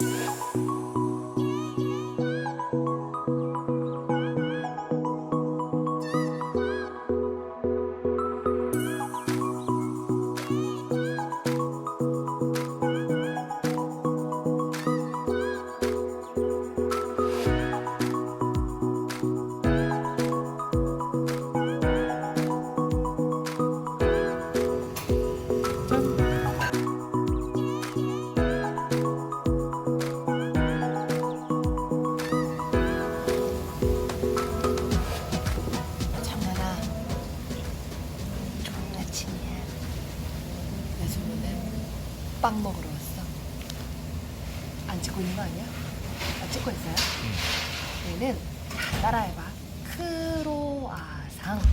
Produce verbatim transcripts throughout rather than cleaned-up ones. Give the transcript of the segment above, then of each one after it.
빵 먹으러 왔어. 안 찍고 있는 거 아니야? 아, 찍고 있어요? 응. 얘는 다 따라해봐. 크로아상.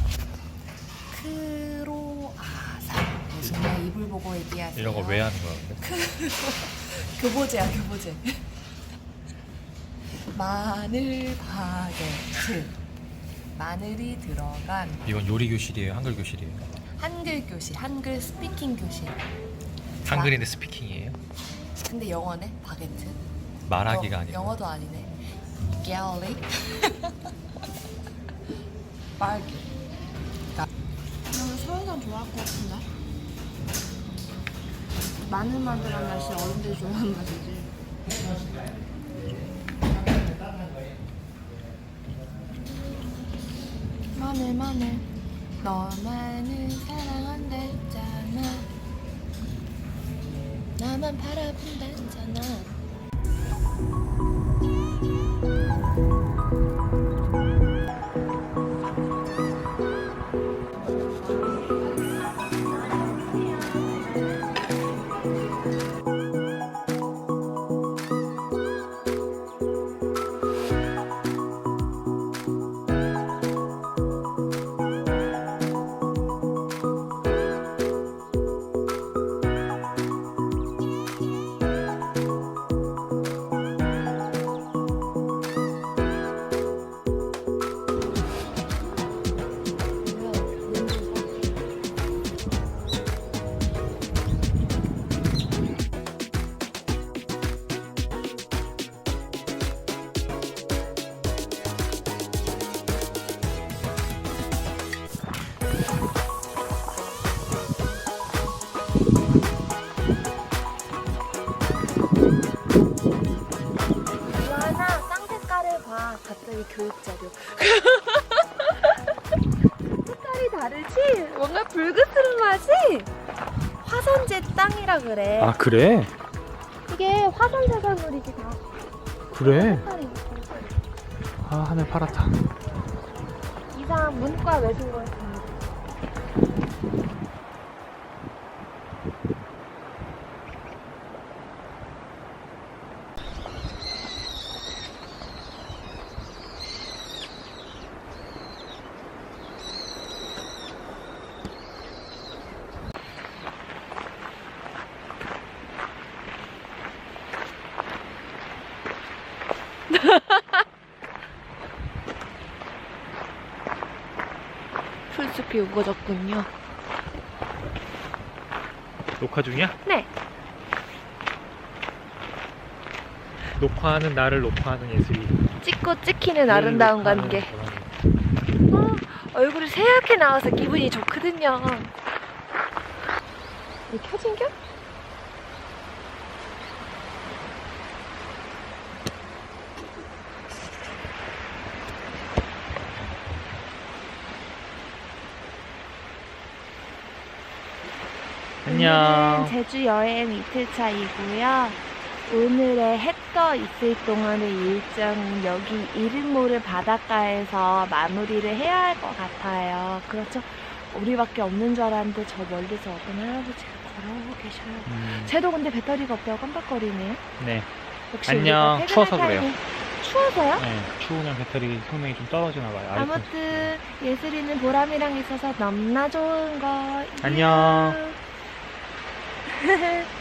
크로아상. 정말 입을 보고 얘기하세요. 이런 거 왜 하는 거야 근데? 교보제야 교보제. 마늘 바게트. 마늘이 들어간. 이건 요리 교실이에요? 한글 교실이에요? 한글 교실, 한글 스피킹 교실. 한글인데 스피킹이에요? 근데 영어네? 바게트? 말하기가 어, 아니고 영어도 아니네. 갤리? 빨개. 나는 서해산 좋아할 것 같은데? 마늘마늘한 맛이 어른들이 좋아하는 맛이지. 마늘 마늘 너만을 사랑한댔잖아. 나만 바라본댔잖아. 유아나 쌍색깔을 봐. 갑자기 교육자료. 색깔이 다르지? 뭔가 붉으스름하지? 화선재 땅이라 그래. 아 그래? 이게 화선재산물이지 다. 그래? 색깔이 있고. 아 하늘 파랗다. 이상 문과 외신거였습니다. 풀숲이 우거졌군요. 녹화 중이야? 네. 녹화하는 나를 녹화하는 예술이. 찍고 찍히는 아름다운 관계. 어, 얼굴이 새하얗게 나와서 기분이 좋거든요. 이 켜진겨? 안녕. 오늘은 제주 여행 이틀차이고요. 오늘의 해 떠 있을 동안의 일정은 여기 이름모를 바닷가에서 마무리를 해야 할 것 같아요. 그렇죠? 우리밖에 없는 줄 알았는데 저 멀리서 어떤 할아버지가 걸어오고 계셔요. 음, 쟤도 근데 배터리가 없다고 깜빡거리네요. 네. 역시 안녕. 우리가 추워서 퇴근할 그래요. 타이밍- 추워서요? 네. 추우면 배터리 성능이 좀 떨어지나 봐요. 아이폰. 아무튼 예슬이는 보람이랑 있어서 너무나 좋은 거. 안녕. 이유.